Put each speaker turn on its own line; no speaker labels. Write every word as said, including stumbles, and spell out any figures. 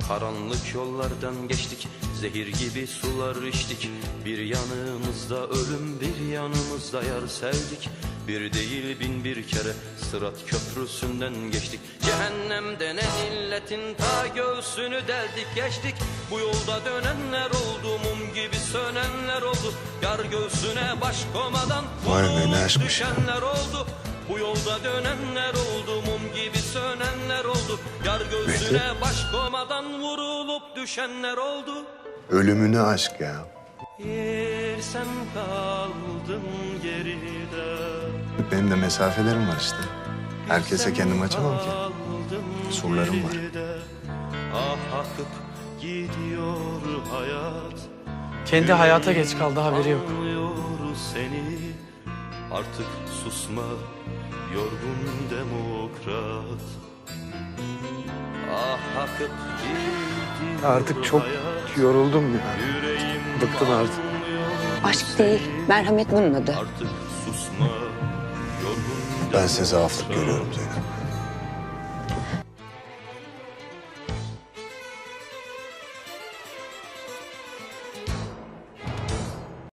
Karanlık yollardan geçtik, zehir gibi sular içtik. Bir yanımızda ölüm, bir yanımızda yar sevdik. Bir değil bin bir kere Sırat köprüsünden geçtik. Cehennemde ne illetin ta göğsünü deldik geçtik. Bu yolda dönenler oldu, mum gibi sönenler oldu. Yar göğsüne baş komadan vurulup düşenler oldu. Bu yolda dönenler oldu, mum gibi sönenler oldu. Yar göğsüne baş komadan vurulup düşenler oldu.
Ölümüne aşk ya.
Yer sen kaldın geride.
Benim de mesafelerim var işte. Herkese kendimi açamam ki. Surlarım var.
Ah akıp gidiyor hayat.
Kendi hayata geç kaldı, haberi yok.
Anlıyor seni. Artık susma yorgun demokrat. Ah akıp gidiyor
Artık çok
hayat.
yoruldum ya.
Yüreğim
Bıktım artık.
Aşk değil, merhamet bunun adı.
Artık susma yorgun
Ben size zaaflık görüyorum Zeynep.